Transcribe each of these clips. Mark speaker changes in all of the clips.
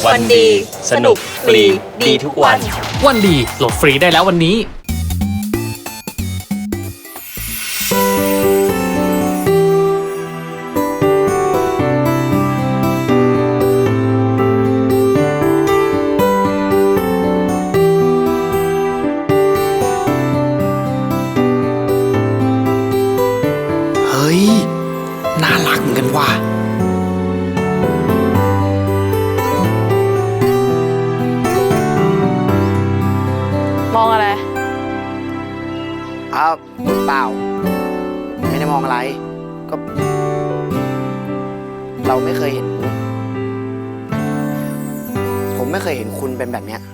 Speaker 1: วันดีสนุกฟรีดีทุกวัน
Speaker 2: วันดีโหลดฟรีได้แล้ววันนี้
Speaker 3: เฮ้ยน่ารักเหมือนกันว่ะ
Speaker 1: มองอะไร
Speaker 3: เปล่าไม่ได้มองอะไรก็เราไม่เคยเห็นผมไม่เคยเห็นคุณเป็นแบบเนี้ย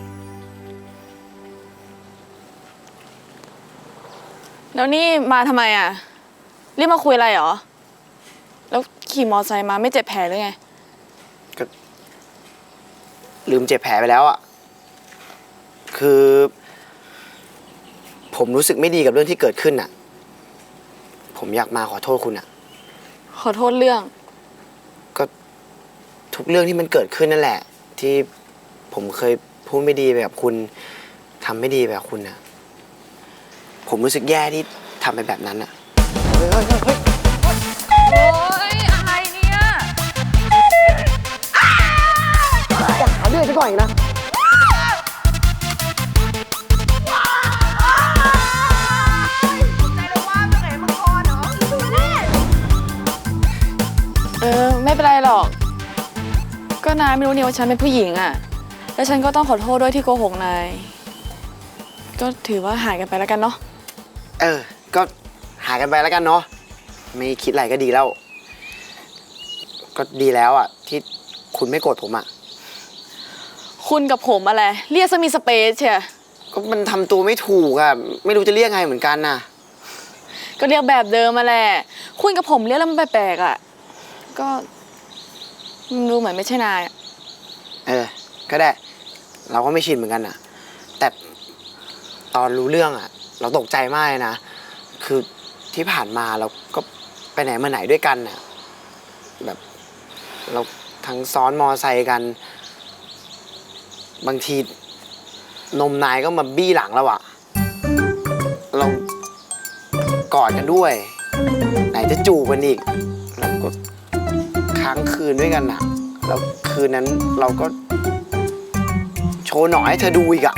Speaker 1: แล้วนี่มาทำไมอ่ะรีบมาคุยอะไรเหรอแล้วขี่มอไซค์มาไม่เจ็บแผลหรือไง
Speaker 3: ก็ลืมเจ็บแผลไปแล้วอ่ะคือผมรู้สึกไม่ดีกับเรื่องที่เกิดขึ้นอ่ะผมอยากมาขอโทษคุณอ่ะ
Speaker 1: ขอโทษเรื่อง
Speaker 3: ก็ทุกเรื่องที่มันเกิดขึ้นนั่นแหละที่ผมเคยพูดไม่ดีไปกับคุณทำไม่ดีไปกับคุณอ่ะผมรู้สึกแย่ที่ทำไปแบบนั้นอ่ะเฮ้ย
Speaker 1: โอ๊ยอะไรเนี่ย
Speaker 3: อยากหาเรื่องซะก่อนอีกนะ
Speaker 1: ไม่เป็นไรหรอกก็นายไม่รู้นี่ว่าฉันเป็นผู้หญิงอ่ะแล้วฉันก็ต้องขอโทษด้วยที่โกหกนายก็ถือว่าหายกันไปแล้วกันเนาะ
Speaker 3: ก็หากันไปแล้วกันเนาะไม่คิดอะไรก็ดีแล้วก็ดีแล้วอ่ะที่คุณไม่โกรธผมอ่ะ
Speaker 1: คุณกับผมอะไรเรียกซะมีสเปซเชีย
Speaker 3: ก็มันทำตัวไม่ถูกอ่ะไม่รู้จะเรียกไงเหมือนกันน่ะ
Speaker 1: ก็เรียกแบบเดิมมาแหละคุณกับผมเรียกแล้วมันแปลกๆอ่ะก็ดูเหมือนไม่ใช่นาย
Speaker 3: ก็ได้เราก็ไม่ชินเหมือนกันน่ะแต่ตอนรู้เรื่องอ่ะเราตกใจมากเลยนะคือที่ผ่านมาเราก็ไปไหนมาไหนด้วยกันน่ะแบบเราทั้งซ้อนมอไซค์กันบางทีนมนายก็มาบี้หลังเราอะเรากอดกันด้วยไหนจะจูบกันอีกเราก็ค้างคืนด้วยกันน่ะแล้วคืนนั้นเราก็โชว์หน่อยให้เธอดูอีกอะ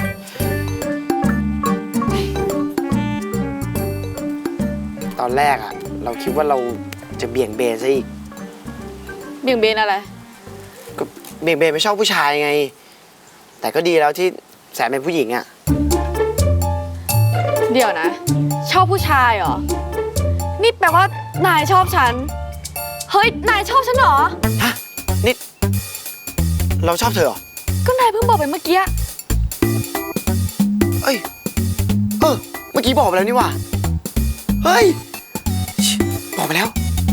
Speaker 3: ตอนแรกอะเราคิดว่าเราจะเบี่ยงเบนซะอีก
Speaker 1: เบี่ยงเบนอะไร
Speaker 3: ก็เบี่ยงเบนไม่ชอบผู้ชายไงแต่ก็ดีแล้วที่แสนเป็นผู้หญิงอะ
Speaker 1: เดี๋ยวนะชอบผู้ชายเหรอนี่แปลว่านายชอบฉันเฮ้ยนายชอบฉันเหรอ
Speaker 3: ฮะนี่เราชอบเธอเหรอ
Speaker 1: ก็นายเพิ่งบอกไปเมื่อกี้
Speaker 3: เอ้ยเมื่อกี้บอกไปแล้วนี่หว่าเฮ้ยบอกไปแล้ว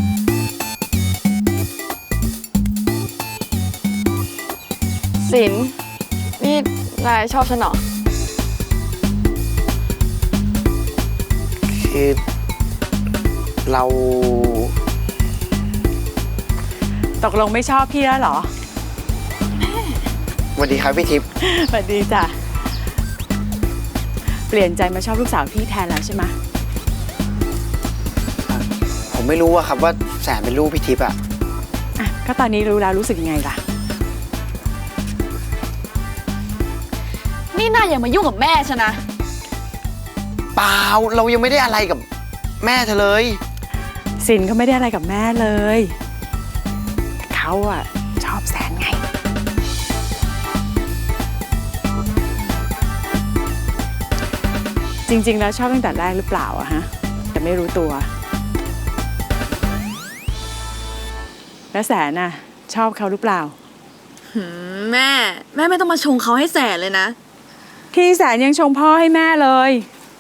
Speaker 1: สินนี่นายชอบฉันเหรอ
Speaker 3: คือเรา
Speaker 4: ตกลงไม่ชอบพี่แล้วเหรอ
Speaker 3: สวัสดีครับพี่ทิพย์
Speaker 4: สวัสดีจ้ะเปลี่ยนใจมาชอบลูกสาวพี่แทนแล้วใช่ไหม
Speaker 3: ผมไม่รู้อะครับว่าแสนเป็นลูกพี่ทิพย์อะ
Speaker 4: ก็ตอนนี้รู้แล้วรู้สึกยังไงล่ะ
Speaker 1: นี่นายอย่ามายุ่งกับแม่ฉันนะ
Speaker 3: เปล่าเรายังไม่ได้อะไรกับแม่เธอเลย
Speaker 4: สินเขาไม่ได้อะไรกับแม่เลยแต่เขาอะชอบแสนไงจริงๆแล้วชอบตั้งแต่แรกหรือเปล่าอะฮะแต่ไม่รู้ตัวแล้วแสนน่ะชอบเขาหรือเปล่า
Speaker 1: แม่ไม่ต้องมาชงเขาให้แสนเลยนะ
Speaker 4: ที่แสนยังชงพ่อให้แม่เลย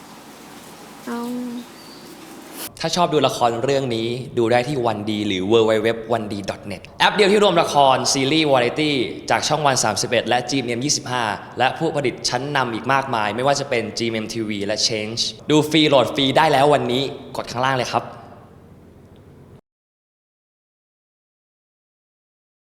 Speaker 2: ถ้าชอบดูละครเรื่องนี้ดูได้ที่วันดีหรือ www.1d.net แอปเดียวที่รวมละครซีรีส์วาไรตี้จากช่องวัน31และ GMM 25และผู้ผลิตชั้นนำอีกมากมายไม่ว่าจะเป็น GMM TV และ Change ดูฟรีโหลดฟรีได้แล้ววันนี้กดข้างล่างเลยครับ